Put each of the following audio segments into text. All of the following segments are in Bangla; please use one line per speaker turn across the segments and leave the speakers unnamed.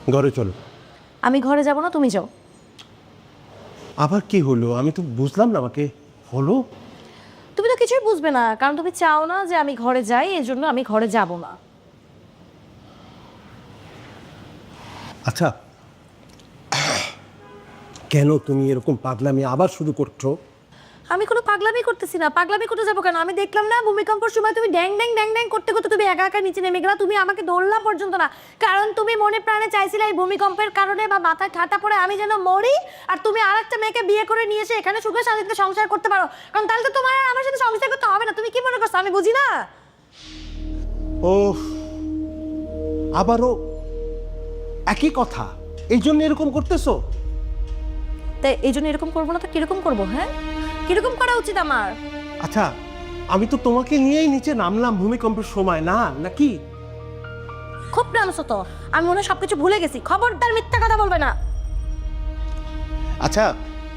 ঘরে চলো।
আমি ঘরে যাব না, তুমি যাও।
আবার কি হলো? আমি তো বুঝলাম না, আমাকে হলো।
তুমি তো কিছুই বুঝবে না, কারণ তুমি চাও না যে আমি ঘরে যাই, এই জন্য আমি ঘরে যাব না।
আচ্ছা, কেন তুমি এরকম পাগলামি আবার শুরু করছো?
আমি কোনো পাগলামি করতেছি না। পাগলামি করতে যাবো কেন? আমি দেখলাম না ভূমিকম্পের সময় তুমি ড্যাং ড্যাং ড্যাং ড্যাং করতে করতে তুমি একা একা নিচে নেমে গেলা। তুমি আমাকে ধরলা পর্যন্ত না, কারণ তুমি মনে প্রাণে চাইছিলে এই ভূমিকম্পের কারণে বা মাথায় ঠাটা পড়ে আমি যেন মরি, আর তুমি আর একটা মেয়েকে বিয়ে করে নিয়ে এসে এখানে সুখে শান্তিতে সংসার করতে পারো। কারণ তাহলে তো তোমার আর আমার সাথে সংসার করতে হবে না। তুমি কি মনে করছো আমি বুঝি না?
ও, আবারও একই কথা, এই জন্য এরকম করতেছো?
তাই এই জন্য এরকম করবো না তো কিরকম করবো? হ্যাঁ, কিরকম করা উচিত আমার?
আচ্ছা, আমি তো তোমাকে নিয়েই নিচে নামলাম ভূমিকম্পের সময়, না নাকি?
খুব নামছো তো, আমি মনে হয় সবকিছু ভুলে গেছি। খবরদার মিথ্যা কথা বলবে না।
আচ্ছা,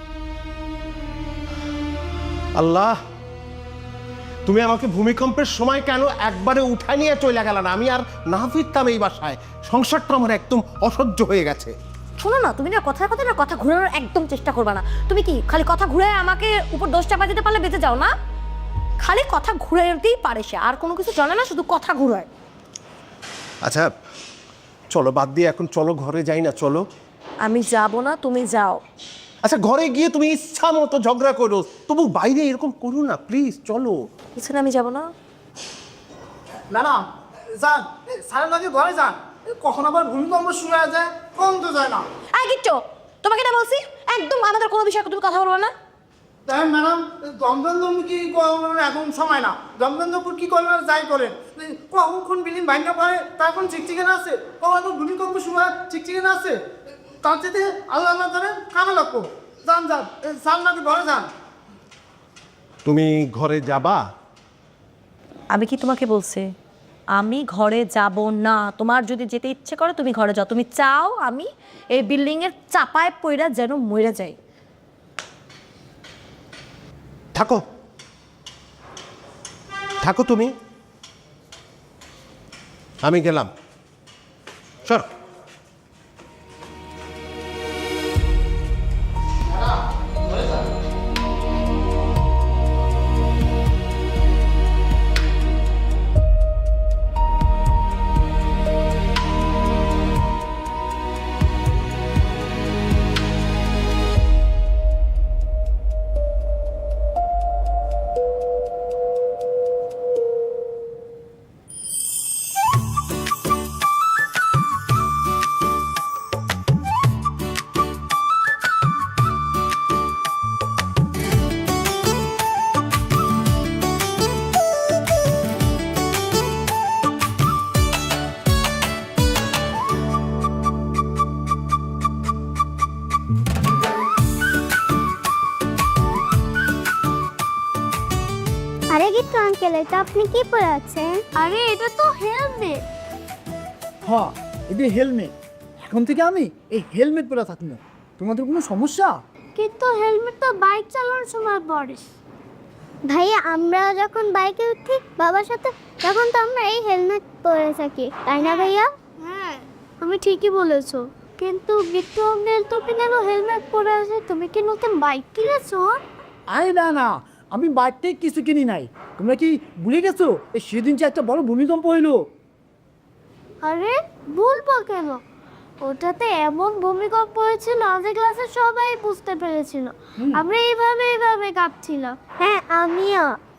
আল্লাহ, তুমি আমাকে ভূমিকম্পের সময় কেন একবারে উঠায় নিয়ে চলে গেল না? আমি আর না ফিরতাম এই বাসায়। সংসারটা আমার একদম অসহ্য হয়ে গেছে।
শোনো না, তুমি না কথার কথা না কথা ঘুরানোর একদম চেষ্টা করবে না। তুমি কি খালি কথা ঘুরে আমাকে উপর দোষ চাপা দিতে পারলে বেঁচে যাও না? খালি কথা ঘুরাইতেই পারে সে, আর কোনো কিছু জানে না, শুধু কথা ঘুরায়।
আচ্ছা চলো, বাদ দিয়ে এখন চলো ঘরে যাই না, চলো।
আমি যাব না, তুমি যাও।
আচ্ছা, ঘরে গিয়ে তুমি ইচ্ছা মতো ঝগড়া করো, তবু বাইরে এরকম করো না প্লিজ, চলো।
বুঝছেন, আমি যাব না।
না না, যান, স্যারের লগে ঘরে যান। কখন আবার ভূমিকম্প শুরু হয়ে যায়, কম তো যায় না।
আয় কিচ্ছু, তোমাকে না বলছি একদম আমাদের কোনো বিষয়ে তুমি কথা বলবে না।
দেখেন ম্যাডাম, দমদম কি এখন সময় না। দমদমপুর কি করবেন যাই করেন, কখন বিল্ডিং ভাঙা পড়ে তার এখন চিকচিকেন আছে, কখন এখন ভূমিকম্প শুরু হয় চিকচিকেন আছে। তার চেয়ে আল্লাহ আল্লাহ করেন কামে লাগবো। যান যান, স্যার নাকি ঘরে যান।
তুমি ঘরে যাবা?
আমি কি তোমাকে বলছি আমি ঘরে যাব না? তোমার যদি যেতে ইচ্ছে করে তুমি ঘরে যাও। তুমি চাও আমি এই বিল্ডিং এর চাপায় পইরা যেন মরে যাই?
থাকো, থাকো তুমি, আমি গেলাম। সর।
আরে গিট্টু আঙ্কেল, এটা আপনি কি পরে আছেন? আরে এটা তো হেলমেট।
হ্যাঁ, এটা হেলমেট। এখন থেকে আমি এই হেলমেট পরে থাকি না। তোমাদের কোনো সমস্যা?
কিন্তু হেলমেট তো বাইক চালানোর সময় পরে। ভাইয়া, আমরা যখন বাইকে উঠি বাবার সাথে, তখন তো আমরা এই হেলমেট পরে থাকি, তাই না ভাইয়া? হ্যাঁ, তুমি ঠিকই বলেছো। কিন্তু গিট্টু আঙ্কেল তো কেন হেলমেট পরে আছে? তুমি কি নতুন বাইক কিনেছো?
আরে না না, আমি বাইকটাই কিছু কিনি নাই। তোমরা কি ভুলে গেছো এই সেদিন যে একটা বড় ভূমিকম্প হইলো?
আরে বলবো কেন, ওটাতে এমন ভূমিকম্প হয়েছিল আমাদের ক্লাসে সবাই বুঝতে পেরেছিল। আমরা এইভাবে কাঁপছিলাম। হ্যাঁ আমিও।